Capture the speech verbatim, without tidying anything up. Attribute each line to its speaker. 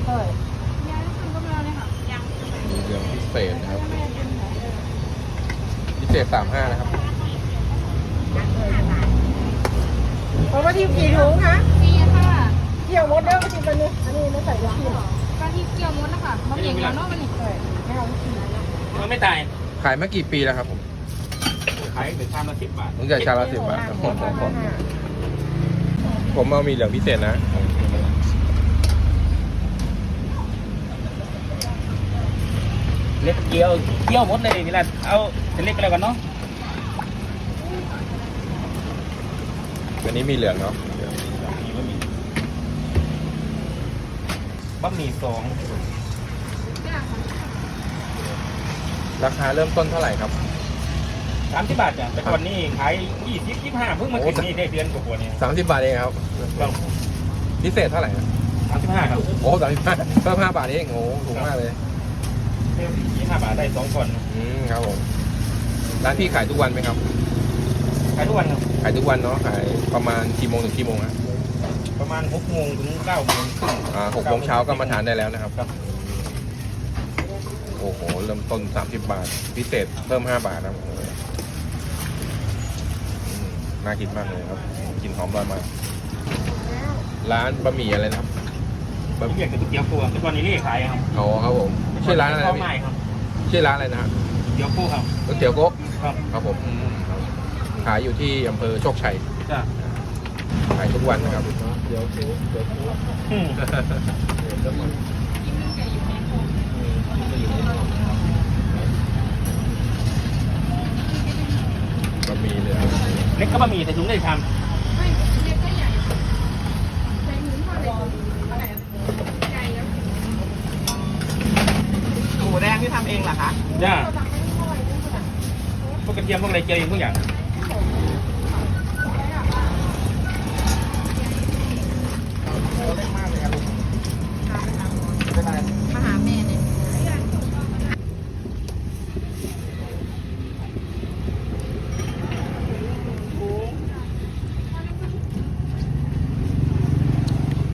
Speaker 1: เท่าไหร่
Speaker 2: ยายทำก็มาเลยค่ะยัง
Speaker 3: มีเหลืองพิเศษนะครับพิเศษสามห้านะครับ
Speaker 1: เพราะว่าที่กี่ถุงคะ
Speaker 2: มีค่ะ
Speaker 1: เกี่ยวมดเด้อที่มันนี่อันนี้ไม่ใส่ยาพิษ
Speaker 2: กะทิเกี๊ยวมดนะคะมะเหมี่ยงยาโน่มันนี่
Speaker 1: ใช่ไม่เอาที่
Speaker 4: มันไม่ตาย
Speaker 3: ขายมากี่ปีแล้วครับผม
Speaker 4: ขายแต่ชามละสิบบาท
Speaker 3: ตั้งแต่ชามละสิบบาทครับผมผมผมผมเอามีเหลืองพิเศษนะ
Speaker 4: เล็กเกี๊ยวเกี๊ยวหมดเลยนี่แหละเอาเส้นเล็กไปแล้วกันเนาะ
Speaker 3: อันนี้มีเหลืองเนาะ
Speaker 4: บะหมี่สอง
Speaker 3: ราคาเริ่มต้นเท่าไหร่ครับ
Speaker 4: สามสิบบาทจ้ะแต่วันนี้ขายยี่สิบยี่ห้าเพิ่งมาถึงนี่ได้เดือนกว่าๆเนี่ย
Speaker 3: สามสิบบาทเองครับ พิเศษเท่าไหร่ครับ
Speaker 4: สามสิบห้าครับ
Speaker 3: โอ้สามสิบห้าเพิ่มห้าบาทเองโอ้ถูกมากเลย
Speaker 4: เพิ่มยี่ห้าบาทได้สองคน
Speaker 3: อืมครับผมร้านพี่ขายทุกวันไหมครับ
Speaker 4: ขายทุกวันครับ
Speaker 3: ขายทุกวันเนาะขายประมาณกี่โมงถึงกี่โมงฮะ
Speaker 4: ประมาณหกโมงถึงเก้าโมงครึ่ง
Speaker 3: อ่าหกโมงเช้าก็มาทานได้แล้วนะครับ
Speaker 4: ครับ
Speaker 3: โอ้โหเริ่มต้นสามสิบบาท พิเศษเพิ่มห้าบาทนะครับอืมน่ากินมากเลยครับกลินหอมอร่อยมากร้านบะหมี่อะไรนะครับ
Speaker 4: บะหมี่เกี๊ยวกับเกี๊ยวปูแต่ตอนนี้เรียกขายครับ
Speaker 3: อ๋อครับผมชื่อร้านอะไรนะ
Speaker 4: ข้าว
Speaker 3: พี่
Speaker 4: ไม้ครับ
Speaker 3: ชื่อร้านอะไรนะฮะ
Speaker 4: เกี๊ยวปูครับ
Speaker 3: ก๋วยเตี๋ยวโก๊ะ
Speaker 4: ครับ
Speaker 3: ครับผมอืมครับขายอยู่ที่อำเภอโชคชัย
Speaker 4: จ้ะ
Speaker 3: ขายทุกวันนะครับ
Speaker 4: อืม
Speaker 3: บะหมี่เหลือง
Speaker 4: เล็กก็บะหมี่ใส่ถุงได้ชาม
Speaker 2: ไม่เล็กก็ใหญ่ใส่หมูทอดเลยใหญ่แล้ว
Speaker 1: หมูแดงที่ทำเองเหรอคะ
Speaker 4: จ้ะพวกกระเทียมพวกอะไรเจียวเองทุกอย่าง